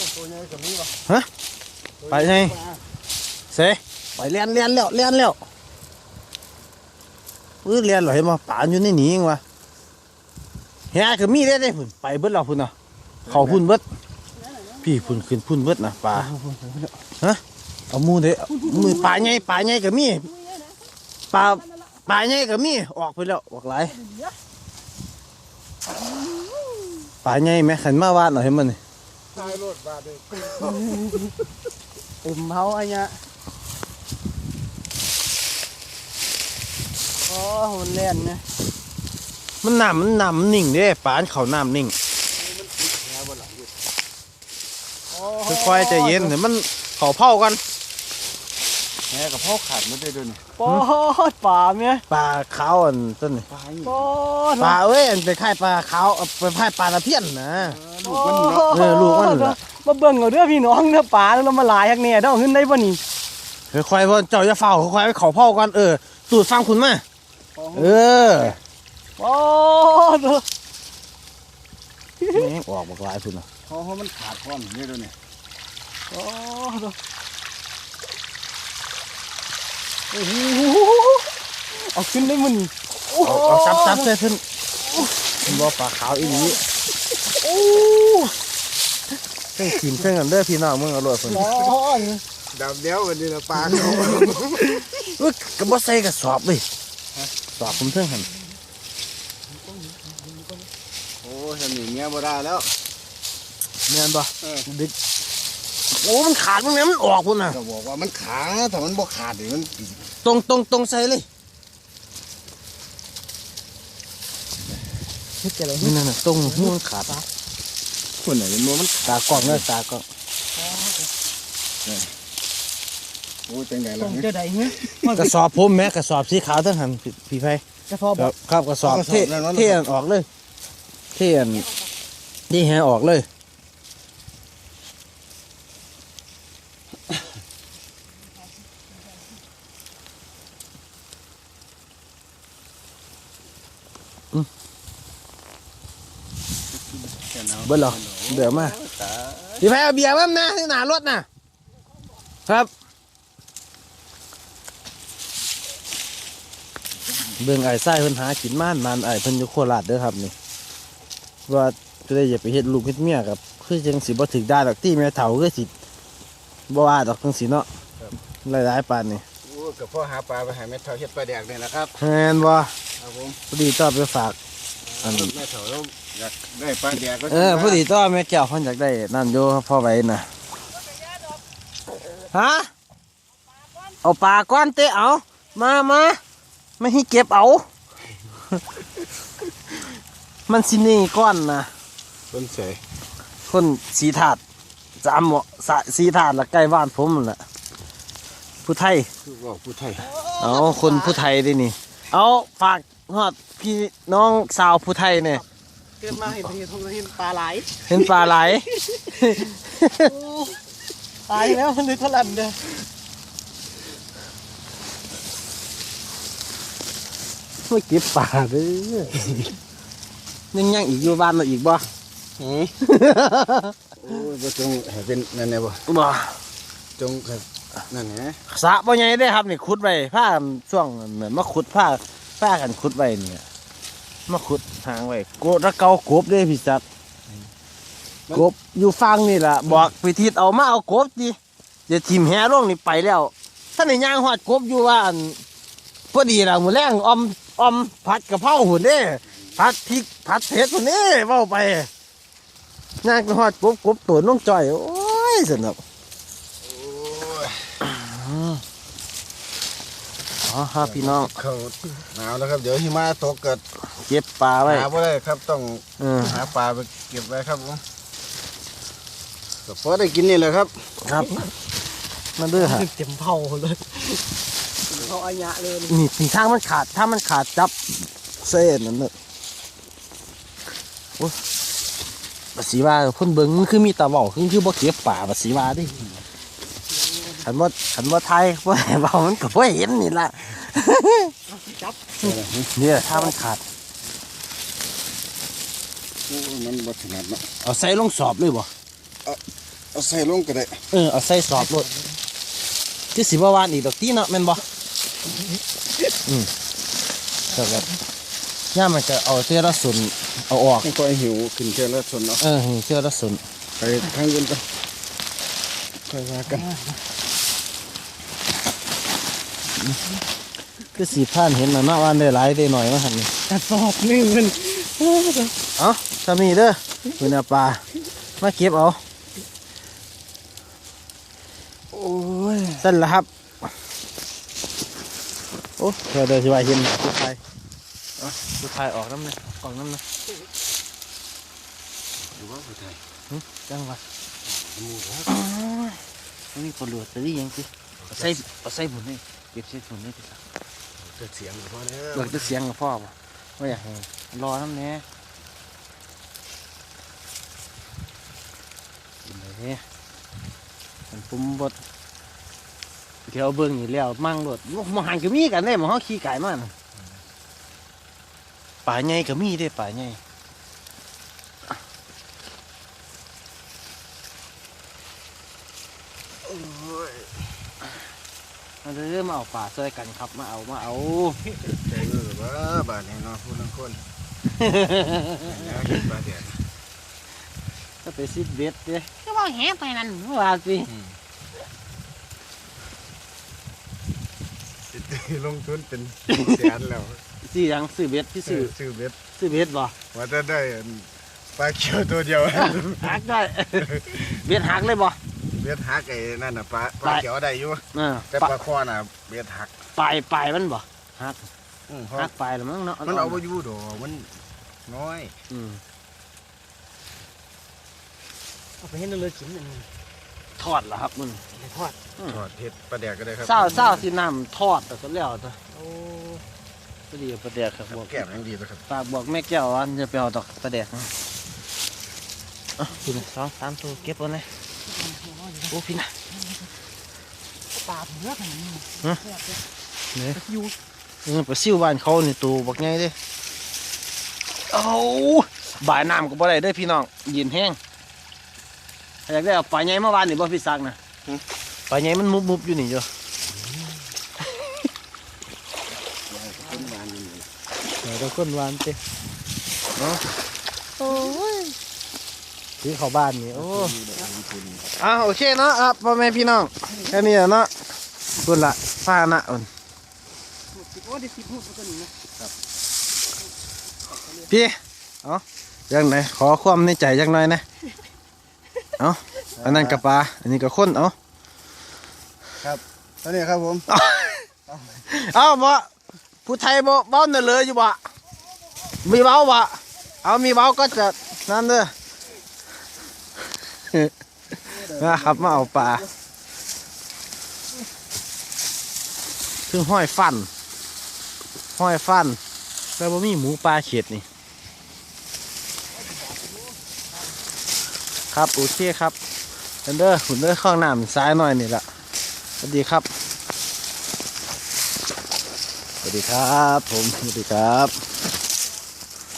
ฮะไปไงเสไปเลียนแล้วเลียนแล้วเลียนเหรอเห็นมั้ยป่าอยู่ในนี้เองวะเฮียก็มีได้พุ่นไปเบิดเราพุ่นเนาะเขาพุ่นเบิดพี่พุ่นขึ้นพุ่นเบิดนะป่าฮะเอามือเด้มือป่าใหญ่ก็มีป่าใหญ่ก็มีออกไปแล้วออกหลายป่าใหญ่แม่ขันมาวาดหน่อยให้มันตายรถบาดเลยเต็มเฮาอันเนี้ยโอ้มันเล่นนะมันน้ำนิ่งเด้ป่านเขาน้ำนิ่งค่อยๆใจเย็นเดี๋ยวมันเขาเผากันแม่กับพ่อขาดไม่ได้ด้วยนี่ปอดป่าเมียปลาขาวอันต้นนี่ปอดปลาเอ้ยอันไปค่ายปลาขาวไปค่ายปลาตะเพียนนะลูกมันเนาะลูกมันเหรอมาเบิ่งเอาเด้อพี่น้องเนื้อป่าแล้วมาหลายฮักเนี่ยเด้อขึ้นได้บ่นี่ค่อยๆพ่อเจ้าจะเฝ้าค่อยๆเขาเผากันตูดฟังคุณมาปอดนี่ออกมาหลายคุณนะเพราะมันขาดก้อนนี่ด้วยนี่ปอดโอ้โหเอาขึ้นได้มันเอาจับใส่ขึ้นเป็นบ่อปลาขาวอีนี้เส้นขีมเส้นกันเด้อพี่น้องมึงเอาลวดคนดำเดียววันนี้นะปลาเขากระบอกใส่กระสอบเลยสอบผมเส้นหันโอ้ยนี่เงี้ยบ่ได้แล้วเงี้ยบ่ดิโอ้มันขาดมันเนี้ยมันออกคุณน่ะก็บอกว่ามันขาแต่มันบ่ขาดเดี๋ยวมันตรงใส่เลยนี่นั่นตรงหัวขาดคนไหนมันตากล้องเลยตากล้องโอ้จังไงล่ะเจอใดเงี้ยกระสอบผมแม่กระสอบสีขาวทั้งหันพี่ไพกระสอบครับกระสอบเที่ยนออกเลยเที่ยนนี่แหออกเลยเบิ้ลหรอเดี๋ยวมาพี่ไพเอาเบียร์มั้งนะที่หนารถนะครับเบิ่งไอ้ไส้เพิ่นหากินมันไอ้เพิ่นอยู่โคราชเด้อครับนี่ว่าจะได้อย่าไปเฮ็ดลูกเฮ็ดเมียกับคือจังสิบ่ถึกได้ดอกที่แม่เฒ่าคือสิบ่ว่าดอกจังสิเนาะหลายๆปานนี่โอ้กับพ่อหาปลาไปหาแม่เฒ่าเฮ็ดปลาแดกนี่แหละครับแม่นบ่ครับผมพอดีต้อไปฝากอันแม่เฒ่าแล้วอยากได้ปลาแดกก็พอดีต้อแม่แก้วเพิ่นอยากได้นั่นอยู่พ่อไว้น่ะฮะเอาปลาก้อนเตะเอามาไม่ให้เก็บเอามันสินี่ก้อนนะคนเสยคนสีถาดจามเหมาะสีถาดละใกล้บ้านผมแหละผู้ไทยบอกผู้ไทยเอาคนผู้ไทยดินี่เอาฝากฮอดพี่น้องสาวผู้ไทยเนี่ยเกิดมาเห็นปลาไหลเห็นปลาไหลตายแล้วมันเลยทะลันเด้อไม่เก็บปลาเลยยังอีกอยู่บ้านเราอีกบ่โอ้ยบ่จงให้เป็นนั่นแน่บ่จงนั่นแหละสระบ่ใหญ่ได้ครับนี่ขุดไว้ผ้าช่วงเหมือนมาขุดผ้ากันขุดไว้เนี่ยมาขุดหางไว้โกดระเกากบด้วยพี่จัดกบอยู่ฟังนี่แหละบอกไปทิศเอามาเอากบดิเดี๋ยวทีมแห่ร่วงนี่ไปแล้วท่านในย่างหอดกบอยู่ว่าพอดีเราหมูแรงอมผัดกระเพราหุ่นนี่ผัดพริกผัดเผ็ดหุ่นนี่เว้าไปย่างหอดกบตัวน้องจ่อยโอ้ยสนุกอ๋อครับพี่น้องเขาหนาวแล้วครับเดี๋ยวหิมะตกเกิดเก็บปลาไว้หาไว้ครับต้องหาปลาไปเก็บไว้ครับผมก็พอได้กินนี่แหละครับครับมันเด้อฮะเต็มเผาเลยเผาอัญญะเลยนี่ทางมันขาดถ้ามันขาดจับเส้นนั่นเลยโอ้ภาษีว่าพ่นเบิ้งมันคือมีตาเบาคือบ่เก็บป่าภาษีว่าดิขันว่าไทยว่าเบามันก็บ่เห็นนี่ละเนี่ยถ้ามันขาดมันบ่ถนัดเนาะเอาใส่ลงสอบเลยบ่เอาใส่ลงก็ได้เอาใส่สอบรถคือสิบ่วานอีกดอกตีเนาะแม่นบ่แต่แบบย่ามันจะเอาเสื้อละสุนเอาออกไม่ค่อยหิวขึ้นแค่ละชนเนาะเสื้อละสุนไปทางอื่นกันค่อยว่ากันคือสีผ่านเห็นแล้วเนาะว่าได้หลายได้หน่อยมาหั่นนี่กระสอบหนึงมันเอ้าถ้ามีเด้อคุณอาปลามาเก็บเอาโอ้ยสั่นละครับโอ้เดี๋ยวสิว่าเห็นผู้ชายผู้ชายออกน้ำเลยออกน้ำเลยหรือว่าผู้ไทยจังหวะหมูครับมันมีคนหลวดแต่นี่ยังสิเอาใส่บุญนี่เก็บใส่บุญนี่พี่สาวจะเสียงหรือเปล่าเนี่ยเบิกจะเสียงกับพ่อป่ะว่าอยากให้รอน้ำแน่กินเลยเนี่ยมันปุ่มบดเดี๋ยวเบิ่งอยู่แล้วมั่งรถมหันก็มีกันได้หมอเขาขี่ไก่มาน่ะป่าใหญ่ก็มีได้ป่าใหญ่มาเริ่มมาเอาป่าช่วยกันครับมาเอาใจเออว่าบ้านนี้เนาะพูดทั้งคนเนี่ยเห็นปลาแดดก็ไปซิดเบ็ดเด้ก็ว่าแหไปนั่นว่าสิลงทุนเป็นแสนแล้วซื้อยังซื้อเบ็ดที่ซื้อซื้อเบ็ดซื้อเบ็ดบ่ว่าจะได้ปลาเขียวตัวเดียวหักได้ เบ็ดหักเลยบ่เบ็ดหักไอ้นั่นน่ะปลาเขียวได้อยู่ แต่ปลาคอน่ะเบ็ดหักปลายมันบ่หักเพราะหักปลายแล้วมั้งเนาะมันเอาไปอยู่ดอกมันน้อยเอาไปให้นเลยกินอันนี้ทอดเหรอครับมึงไปทอดทอดเผ็ดปลาแดกก็ได้ครับเศร้าสิน้ำทอดแต่ก็แล้วตัวโอ้ก็ดีประเดี๋ยวครับบอกแก้มยังดีนะครับฝากบอกแม่แก้วว่าจะไปเอาดอกประเดี๋ยวพี่นะ2-3ตัวเก็บเอาเลยโอ้พี่นะปลาเนื้อขนาดนี้เนี่ยอยู่ปลาซิวบ้านเขานี่ตัวบักใหญ่เด้เอาบ่ายน้ำก็บ่ได้เด้อพี่น้องยินแห้งอยากได้เอาปลาใหญ่เมื่อวานนี่บ่พี่ซักนะปลาใหญ่มันมุบอยู่นี่จ้ะเราก้นวานเต้เนาะโอ้ยที่เขาบ้านนี่โอ้โอเคเนาะพ่อแม่พี่น้องแค่นี้เนาะคุณละฟ้าหน้าอ่อนโอ้ได้10 หูตัวนี้นะพี่ยังไหนขอความในใจจักหน่อยนะอันนั้นกับปลาอันนี้กับคนตอนนี้ครับผมบ่ผู้ไทยบ่เบ้าเนื้อเลยอยู่บ่มีเบ้าบ่มีเบ้าก็จะนั่นเด้อนะครับมาเอาปลาถึงห้อยฟันแล้วบ่มีหมูปลาเขียดนี่ครับโอเคครับหุ่นเด้อข้างน้ำซ้ายหน่อยนี่แหละสวัสดีครับผมสวัสดีครับ